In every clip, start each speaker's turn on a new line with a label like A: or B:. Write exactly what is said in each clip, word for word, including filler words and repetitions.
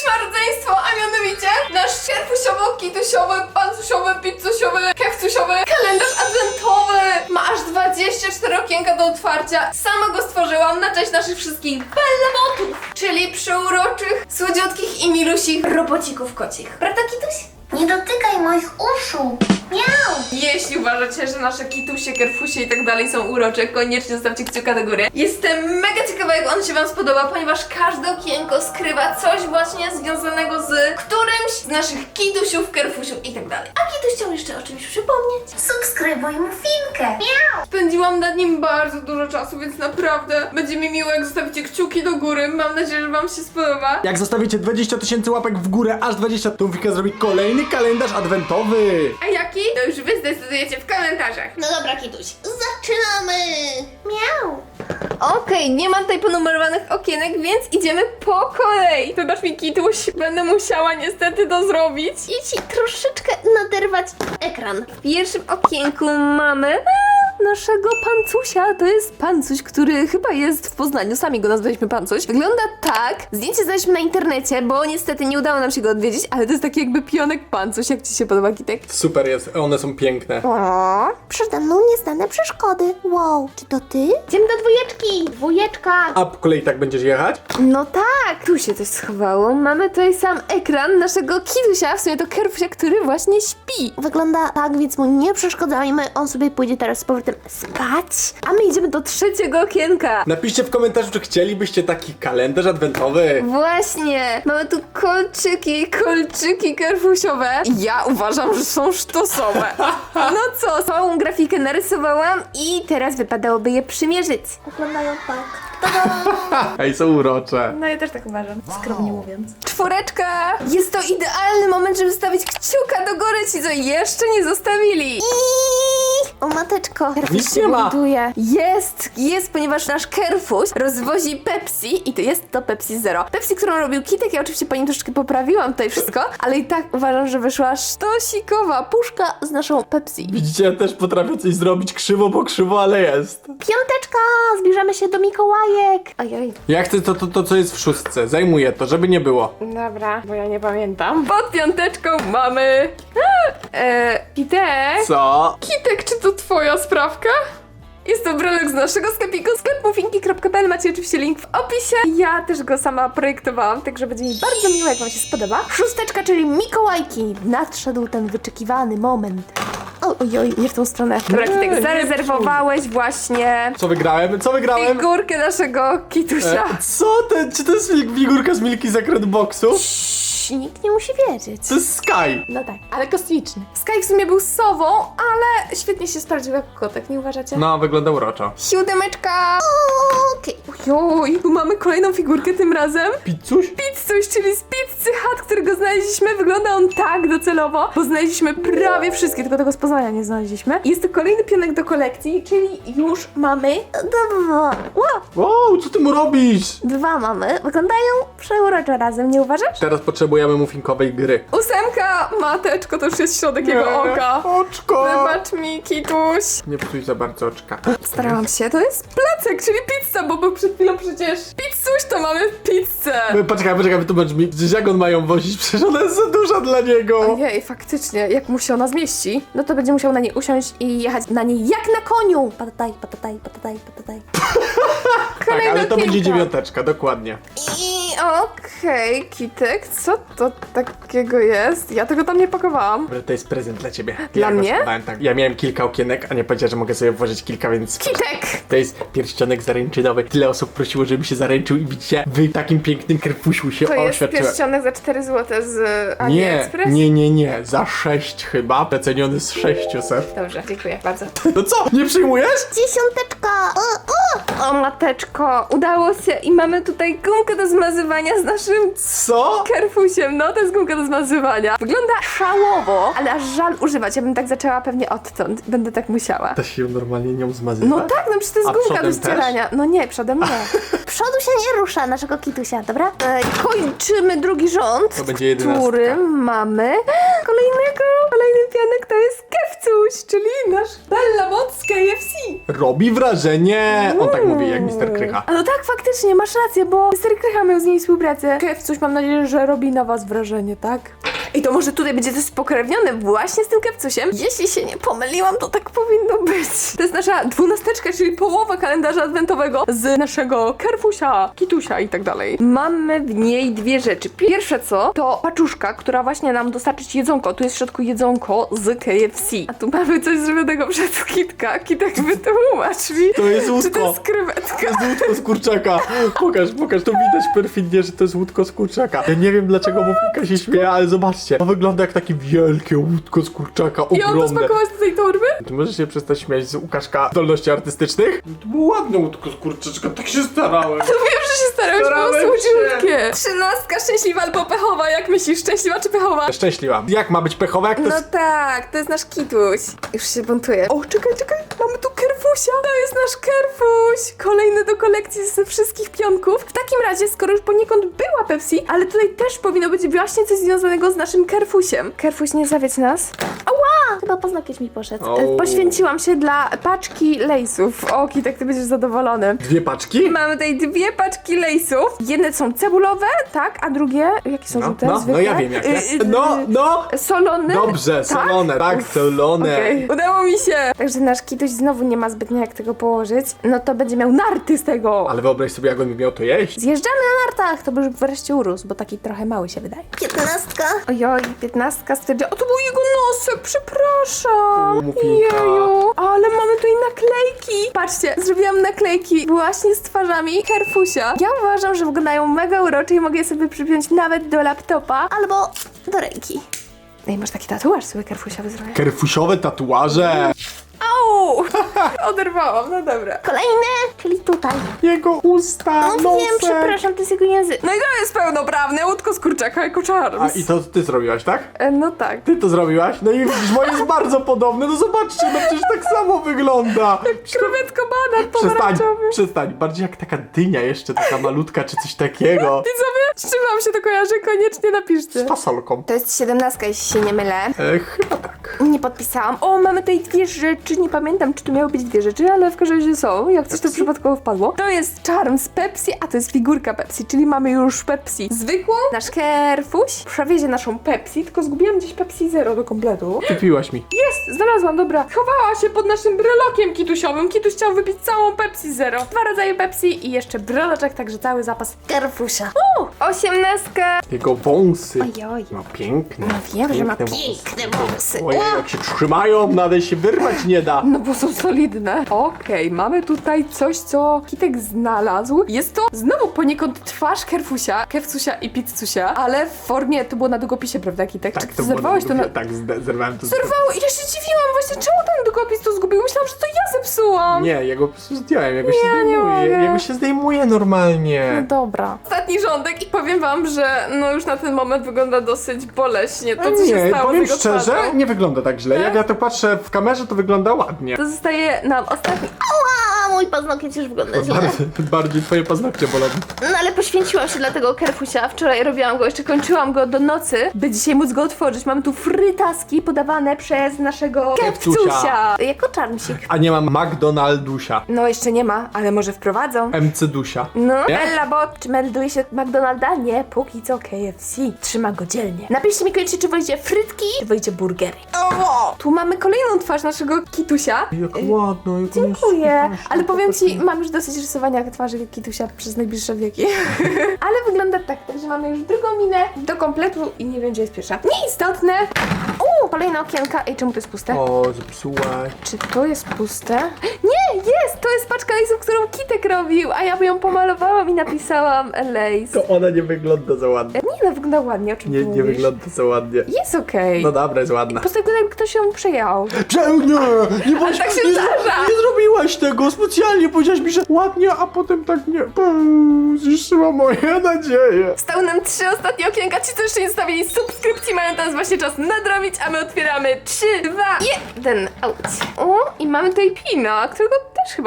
A: ma rodzeństwo, a mianowicie nasz kerfusiowo, kitusiowy, pancusiowy, pizzusiowy, kefcusiowy kalendarz adwentowy. Ma aż dwadzieścia cztery okienka do otwarcia. Sama go stworzyłam na cześć naszych wszystkich bellemotów, czyli przeuroczych, słodziutkich i milusich robocików kocich. Prawda, Kituś?
B: Nie dotykaj moich uszu. Miau.
A: Jeśli uważacie, że nasze kitusie, kerfusie i tak dalej są urocze, koniecznie zostawcie kciuka do góry. Jestem mega ciekawa, jak on się wam spodoba, ponieważ każde okienko skrywa coś właśnie związanego z którymś z naszych kitusiów, kerfusiów i tak dalej. A Kituś chciał jeszcze o czymś przypomnieć.
B: Subskrybuj muffinkę. Miau.
A: Spędziłam nad nim bardzo dużo czasu, więc naprawdę będzie mi miło, jak zostawicie kciuki do góry. Mam nadzieję, że wam się spodoba.
C: Jak zostawicie dwadzieścia tysięcy łapek w górę, aż dwadzieścia, to Muffinka zrobi kolejny kalendarz adwentowy.
A: A jaki? To już wy zdecydujecie w komentarzach.
B: No dobra, Kituś, zaczynamy. Miau.
A: Okej, nie ma tutaj ponumerowanych okienek, więc idziemy po kolei. Wybacz mi, Kituś, będę musiała niestety to zrobić.
B: I ci troszeczkę naderwać ekran.
A: W pierwszym okienku mamy a, naszego pancusia. To jest pancuś, który chyba jest w Poznaniu. Sami go nazwaliśmy pancuś. Wygląda tak. Zdjęcie znaleźliśmy na internecie, bo niestety nie udało nam się go odwiedzić, ale to jest taki jakby pionek pancuś. Jak ci się podoba, Kitek?
C: Super jest, one są piękne.
A: O,
B: Przede mną nieznane przeszkody. Wow, czy to ty? Idziemy do dwójeczki. Dwójeczka.
C: A po kolei tak będziesz jechać?
A: no tak, tu się coś schowało. Mamy tutaj sam ekran naszego Kitusia, w sumie to kerfusia, który właśnie śpi.
B: Wygląda tak, więc mu nie przeszkadzajmy. On sobie pójdzie teraz z powrotem spać.
A: A my idziemy do trzeciego okienka.
C: Napiszcie w komentarzu, czy chcielibyście taki kalendarz adwentowy.
A: Właśnie, mamy tu kolczyki, kolczyki kerfusiowe. Ja uważam, że są sztosowe. No co, całą grafikę narysowałam i teraz wypadałoby je przymierzyć.
B: Wyglądają tak.
C: Ej, są urocze.
A: No ja też tak uważam, skromnie mówiąc. Czwóreczka! Jest to idealny moment, żeby stawić kciuka do góry ci, co jeszcze nie zostawili.
B: O mateczko.
C: Nic nie ma.
A: Buduje. Jest, jest, ponieważ nasz kerfuś rozwozi Pepsi i to jest to Pepsi Zero. Pepsi, którą robił Kitek, ja oczywiście po nim troszeczkę poprawiłam tutaj wszystko, ale i tak uważam, że wyszła sztosikowa puszka z naszą Pepsi.
C: Widzicie, ja też potrafię coś zrobić krzywo, bo krzywo, ale jest.
B: Piąteczka. Zbierzemy się do Mikołajek.
A: Ojej.
C: Ja chcę to, to, to, co jest w szóstce. Zajmuję to, żeby nie było.
A: Dobra, bo ja nie pamiętam. Pod piąteczką mamy... Eee, Kitek?
C: Co?
A: Kitek, czy to twoja sprawka? Jest to brelek z naszego sklepiku, sklep muffinki kropka p l. Macie oczywiście link w opisie. Ja też go sama projektowałam, także będzie mi bardzo miło, jak wam się spodoba. Szósteczka, czyli Mikołajki. Nadszedł ten wyczekiwany moment. O, ojoj, nie w tą stronę. Dobra,
C: Nie,
A: Kitek,
C: nie
A: zarezerwowałeś właśnie
C: Co wygrałem? Co wygrałem?
A: figurkę naszego Kitusia.
C: E, co? Te, czy to jest figurka z Milki Secret Boxu?
A: Cii, nikt nie musi wiedzieć.
C: To jest Sky.
A: No tak, ale kosmiczny. Sky w sumie był sową, ale świetnie się sprawdził jako kotek, nie uważacie?
C: No, wygląda uroczo.
A: Siódemeczka! Okej. Ojoj, tu mamy kolejną figurkę tym razem.
C: Pizzuś?
A: Pizzuś, czyli z Pizzy Hut, którego znaleźliśmy. Wygląda on tak docelowo, bo znaleźliśmy prawie wszystkie, tylko tego z Poznania nie znaleźliśmy. Jest to kolejny pionek do kolekcji, czyli już mamy
B: Dwa. Wow.
C: Wow, co ty mu robisz?
B: Dwa mamy. Wyglądają przeuroczo razem, nie uważasz?
C: Teraz potrzebujemy muffinkowej gry.
A: ósemka. Mateczko, to już jest środek jego oka.
C: Oczko!
A: Wybacz mi, Kituś.
C: Nie psuj za bardzo oczka.
A: Starałam się, to jest placek, czyli pizza, bo był przed chwilą przecież pizzuś, to mamy pizzę.
C: Poczekaj, poczekaj, wytłumacz mi, przecież jak on ma ją wozić? Przecież ona jest za duża dla niego.
A: Ojej, faktycznie, jak mu się ona zmieści, no to będzie musiał na niej usiąść i jechać na niej jak na koniu.
B: Patataj, patataj, patataj, patataj.
C: Tak,
A: Kolejna
C: ale to będzie
A: piłka.
C: dziewiąteczka, dokładnie.
A: I okej, Kitek, co to takiego jest? Ja tego tam nie pakowałam.
C: Dobra, to jest prezent dla ciebie.
A: Dla
C: ja go
A: mnie?
C: schowałem, tak. Ja miałem kilka okienek, a nie powiedziała, że mogę sobie włożyć kilka, więc...
A: Kitek!
C: To jest pierścionek zaręczynowy. Tyle osób prosiło, żebym się zaręczył i widzicie, w takim pięknym kerfusiu się
A: To jest
C: oświadczyłem.
A: pierścionek za cztery złote z
C: Nie,
A: AliExpress?
C: nie, nie, nie. Za sześć chyba. Przeceniony z sześciuset.
A: Dobrze, dziękuję bardzo.
C: No co? Nie przyjmujesz?
B: Dziesiąteczka. O, o.
A: O mateczko, udało się i mamy tutaj gumkę do zmazywania z naszym
C: Co?
A: kerfusiem. No, to jest gumka do zmazywania. Wygląda szałowo, ale aż żal używać. Ja bym tak zaczęła pewnie odtąd. Będę tak musiała.
C: Da się normalnie nią zmazywać?
A: No tak, no przecież to jest
C: A
A: gumka do
C: przodem
A: ścierania. No nie, przodem nie.
B: przodu się nie rusza naszego kitusia, dobra?
A: E, kończymy drugi rząd,
C: To będzie jedenastka.
A: w którym mamy kolejnego, kolejny pianek to jest Kefcuś, czyli nasz Bella Bot z K F C.
C: Robi wrażenie! On tak mówi jak mister Krycha.
A: A no tak, faktycznie, masz rację, bo mister Krycha miał z niej współpracę. Kefcuś, mam nadzieję, że robi na was wrażenie, tak? I to może tutaj będzie też spokrewnione właśnie z tym Kefcusiem. Jeśli się nie pomyliłam, to tak powinno być. To jest nasza dwunasteczka, czyli połowa kalendarza adwentowego z naszego Kerfusia, Kitusia i tak dalej. Mamy w niej dwie rzeczy. Pierwsze co, to paczuszka, która właśnie nam dostarczyć jedzonko. Tu jest w środku jedzonko z K F C. A tu mamy coś zrobionego przez Kitka. Kitek, wytłumacz mi.
C: To jest
A: Czy to
C: łódko.
A: jest krewetka?
C: To jest łódko z kurczaka. Pokaż, pokaż, to widać perfidnie, że to jest łódko z kurczaka. Ja nie wiem dlaczego Muffinka się śmieje, ale zobaczcie. To wygląda jak takie wielkie łódko z kurczaka,
A: I on to
C: ogromne.
A: spakować do tej torby?
C: Ty możesz się przestać śmiać z Łukaszka zdolności artystycznych? To było ładne łódko z kurczaczka, tak się starałem.
A: To wiem, że się starałeś, było
C: Starałem
A: słodziutkie. Trzynastka szczęśliwa albo pechowa, jak myślisz? Szczęśliwa czy pechowa?
C: Szczęśliwa. Jak ma być pechowa, jak to
A: No
C: jest...
A: tak, to jest nasz Kituś. Już się buntuje. O, czekaj, czekaj, mamy tu Kerfusia. To jest nasz Kerfuś. Kolejny do kolekcji ze wszystkich pionków. W takim razie, skoro już poniekąd była Pepsi, ale tutaj też powinno być właśnie coś związanego z naszym Kerfusiem. Kerfuś, nie zawiedź nas.
B: A, chyba poznakieć mi poszedł.
C: O.
A: E, Poświęciłam się dla paczki lejsów. O, Kitek, ty będziesz zadowolony.
C: Dwie paczki?
A: Mamy tutaj dwie paczki lejsów. Jedne są cebulowe, tak, a drugie, jakie są
C: No,
A: żółte?
C: no, no
A: Zwykłe?
C: ja wiem jakie.
A: Y, y,
C: No, no!
A: Solone?
C: Dobrze, solone, tak, solone.
A: Okej, udało mi się. Także nasz Kituś znowu nie ma zbytnio jak tego położyć. No to będzie miał narty z tego.
C: Ale wyobraź sobie, jak on by miał to jeść.
A: Zjeżdżamy na nartach, to by już wreszcie urósł, bo taki trochę mały się wydaje.
B: Piętnastka.
A: Ojoj, piętnastka stwierdziła. O, to był jego nosek, przepraszam.
C: O, Muffinka.
A: Jeju, ale mamy tutaj naklejki. Patrzcie, zrobiłam naklejki właśnie z twarzami Kerfusia. Ja uważam, że wyglądają mega urocze i mogę je sobie przypiąć nawet do laptopa.
B: Albo do ręki.
A: Ej, masz taki tatuaż sobie Kerfusiowy zrobię.
C: Kerfusiowe tatuaże.
A: Au! Oderwałam, no dobra.
B: Kolejny, czyli tutaj.
C: Jego usta,
B: No
C: nosek.
B: wiem, przepraszam, to jest jego język.
A: No i to jest pełnoprawne łódko z kurczaka jako Charms.
C: A i to ty zrobiłaś, tak?
A: E, no tak.
C: Ty to zrobiłaś? No i widzisz, moje jest bardzo podobne. No zobaczcie, no przecież tak samo wygląda.
A: Krewetko banan
C: Przestań,
A: pomarańczowy.
C: przestań. Bardziej jak taka dynia jeszcze, taka malutka, czy coś takiego.
A: Widzowie, z czym wam się to kojarzy? Koniecznie napiszcie.
C: Z fasolką.
A: To jest siedemnastka, jeśli się nie mylę.
C: E, chyba tak.
A: Nie podpisałam. O, mamy tutaj dwie rzeczy. Nie pamiętam, czy tu miały być dwie rzeczy, ale w każdym razie są. Jak coś to przypadkowo wpadło. To jest Charms Pepsi, a to jest figurka Pepsi, czyli mamy już Pepsi zwykłą. Nasz Kerfuś przewiezie naszą Pepsi, tylko zgubiłam gdzieś Pepsi Zero do kompletu.
C: Kupiłaś mi.
A: Jest, znalazłam, dobra. Chowała się pod naszym brelokiem kitusiowym. Kituś chciał wypić całą Pepsi Zero. Dwa rodzaje Pepsi i jeszcze breloczek, także cały zapas.
B: Kerfusia.
A: U, osiemnastka.
C: Jego wąsy.
A: Ojoj.
C: Ma piękne.
A: No wiem, że ma
C: piękne wąsy.
B: Piękne wąsy.
C: Ojej, jak się trzymają, nawet się wyrwać nie da.
A: No bo są solidne. Okej, mamy tutaj coś, co Kitek znalazł. Jest to znowu poniekąd twarz Kerfusia, Kefcusia i Pizzusia, ale w formie, to było na długopisie, prawda Kitek? Czy ty
C: było
A: zerwałeś to na...
C: Tak, zde- zerwałem to.
A: Zerwało i ja się dziwiłam właśnie, czemu ten długopis to zgubił? Myślałam, że to ja zepsułam.
C: Nie, jego po prostu zdjąłem, jego się
A: Ja nie
C: zdejmuje.
A: mogę.
C: Jego się zdejmuje
A: No
C: normalnie.
A: dobra. Ostatni rządek i powiem wam, że no już na ten moment wygląda dosyć boleśnie to, co
C: nie,
A: się stało z
C: powiem
A: jego
C: szczerze,
A: twarzą.
C: nie wygląda tak źle.
A: Tak?
C: Jak ja to patrzę w kamerze, to wygląda ładnie.
A: To zostaje nam ostatni...
B: Ała, mój paznokieć już wygląda źle.
C: Bardziej, bardziej twoje paznokcie bolą.
A: No ale poświęciłam się dla tego Kerfusia. Wczoraj robiłam go, jeszcze kończyłam go do nocy, by dzisiaj móc go otworzyć. Mamy tu frytaski podawane przez naszego
C: Kefcusia.
A: Kefcusia. Jako czarmsik.
C: A nie mam McDonaldusia.
A: No jeszcze nie ma, ale może wprowadzą.
C: M C Dusia.
A: No,
C: Nie?
A: Ella Bot, czy melduje się McDonalda? Nie, póki co K F C. Trzyma go dzielnie. Napiszcie mi koniecznie, czy wolicie frytki, czy wolicie burgery. O! Tu mamy kolejną twarz naszego Kitusia.
C: Jak ładno, jak
A: Dziękuję, ale powiem ci, mam już dosyć rysowania twarzy Kitusia przez najbliższe wieki. Ale wygląda tak, także mamy już drugą minę do kompletu i nie wiem, gdzie jest pierwsza. Nieistotne. Uuu, kolejne okienka. Ej, czemu to jest puste?
C: O, zepsułaś.
A: Czy to jest puste? Nie, jest! To jest paczka lejsów, którą Kitek robił, a ja ją pomalowałam i napisałam Lace.
C: To ona nie wygląda za ładnie.
A: Nie, no wygląda ładnie, o czym
C: Nie,
A: ty
C: nie
A: mówisz?
C: wygląda za ładnie.
A: Jest okej.
C: No dobra, jest ładna.
A: Po prostu wygląda, jakby ktoś ją przejął.
C: Prze- nie, nie, bądź,
A: tak się
C: nie,
A: zdarza.
C: nie zrobiłaś tego specjalnie, powiedziałaś mi, że ładnie, a potem tak nie. Pum, zniszczyła moje nadzieje.
A: Stały nam trzy ostatnie okienka. Ci, co jeszcze nie zostawili subskrypcji, mają teraz właśnie czas nadrobić, a my otwieramy trzy, dwa, jeden. Auć. O, i mamy tutaj Pina, którego też chyba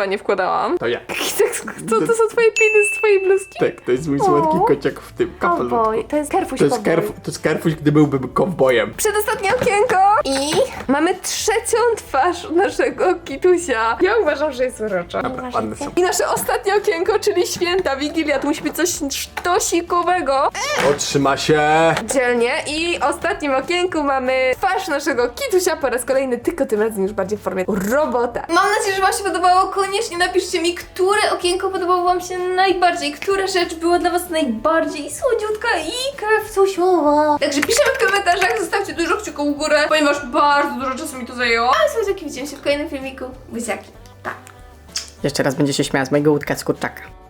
A: nie wkładałam.
C: To ja.
A: Co to są twoje piny z twojej bluzki?
C: Tak, to jest mój słodki
A: O.
C: kociak w tym kapeluszu.
A: Cowboy, to jest kerfuś
C: To jest,
A: cowboy.
C: kerf, to jest kerfuś, gdy byłbym kowbojem.
A: Przedostatnie okienko i mamy trzecią twarz naszego kitusia. Ja uważam, że jest urocza.
C: Dobra, ładne są.
A: I nasze ostatnie okienko, czyli święta, Wigilia, to musi być coś sztosikowego.
C: Otrzyma się.
A: Dzielnie. I w ostatnim okienku mamy twarz naszego kitusia po raz kolejny, tylko tym razem już bardziej w formie robota. Mam nadzieję, że wam się podobało. Koniecznie napiszcie mi, które okienko podobało wam się najbardziej, która rzecz była dla was najbardziej słodziutka i kewcusiowa. Także piszemy w komentarzach, zostawcie dużo kciuków w górę, ponieważ bardzo dużo czasu mi to zajęło. A słodziaki, widzimy się w kolejnym filmiku. Buziaki. Pa!
D: Jeszcze raz będzie się śmiała z mojego łódka z kurczaka.